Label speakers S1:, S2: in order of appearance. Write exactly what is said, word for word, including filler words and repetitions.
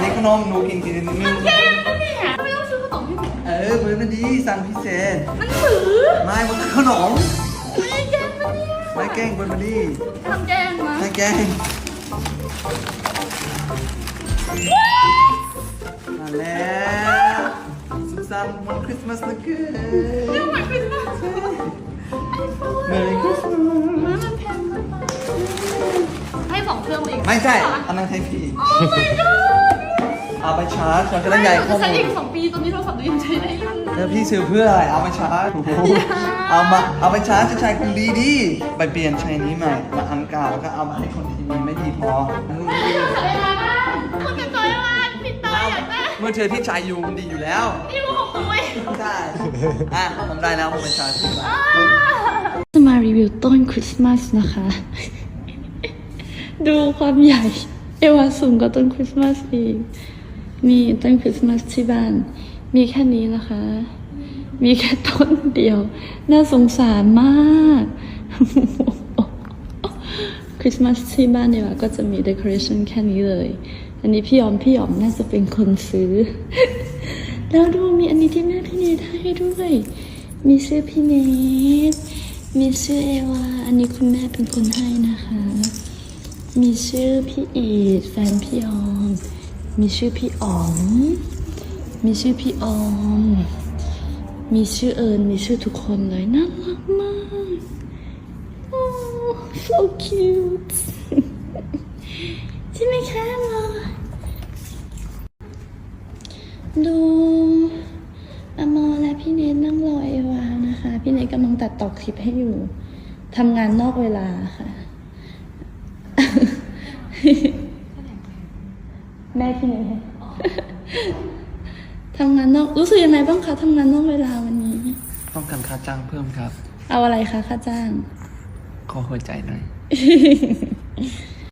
S1: นี้ขนมหนูกินกินนิดนึง
S2: แกงนะเนี่ยไม่ต้องซื้อขนมให้ผม
S1: เออเบอร์มันดีสั่งพิเศษ
S2: มันถือ
S1: ไม่มันคือขนม
S2: ไม่แกงนะเนี่ย
S1: ไม่แกล้งเบอร์มันดี
S2: ทำแกงมา
S1: ไม่แกล้งมาแล้วสุขสันต์วันคริสต์มาสนะเกิ
S2: เรื่อง
S1: น
S2: เหมือนคริสต์มาสไอโฟน
S1: Merry Christmas
S2: มันแพงมากให้สองเครื่องเอง
S1: ไม่ใช่อันนั้นให้พี่
S2: โอ้ my god
S1: เอาไปชาร์จเราจะได้ใหญ่
S2: จะ
S1: ข้อ
S2: ใช้
S1: มู
S2: อี
S1: ล
S2: กสองปีตอนนี้โทรศัพท์ตัวยังใช้ได้อยู่
S1: แล้วพี่ซื้อเพื่ออะไรเอาไปชาร์จโอ้โหเอามาเอาไปชาร์จจะใช้คุณดีดีไปเปลี่ยนใช้นี้ใหม่มาอันเก่าก็เอามาให้คนที่มีไม่ดีพอ
S2: ไม่อยากใช้อะไรบ้างคุณจะใช้อะไรพี่ตายอยากได้
S1: เมื่อเธอพี่ชายอยู่มันดีอยู่แล้ว
S2: นี่รู้ของตัวเอง
S1: ใช่อ่ะผมได้แล้วผมไปชาร์จที่บ้าน
S2: จะมารีวิวต้นคริสต์มาสนะคะ ดูความใหญ่ เอวาสูงกว่าต้นคริสต์มาสอีกมีต้นคริสต์มาสที่บ้าน มีแค่นี้นะคะ มีแค่ต้นเดียว น่าสงสารมาก คริสต์มาสที่บ้านเอวาก็จะมีเดคอเรชันแค่นี้เลย อันนี้พี่ยอมพี่ยอมน่าจะเป็นคนซื้อ แล้วดูมีอันนี้ที่แม่พี่เนทให้ด้วย มีชื่อพี่เนทมีชื่อเอวา อันนี้คุณแม่เป็นคนให้นะคะ มีชื่อพี่อีดแฟนพี่ออม มีชื่อพี่อ๋อม มีชื่อพี่ออม มีชื่อเอิญ มีชื่อทุกคนเลย น่ารักมาก oh so cute ใช่ไหมคะหมอดูอมอและพี่เนทนั่งรอเอวานะคะ พี่เนทกำลังตัดต่อคลิปให้อยู่ ทำงานนอกเวลาค่ะ แม่พี่เนททำงานนอกรู้สึกยังไงบ้างคะทำงานนอกเวลาวันนี้
S1: ต้องการค่าจ้างเพิ่มครับ
S2: เอาอะไรคะค่าจ้าง
S1: ขอหัวใจหน่อย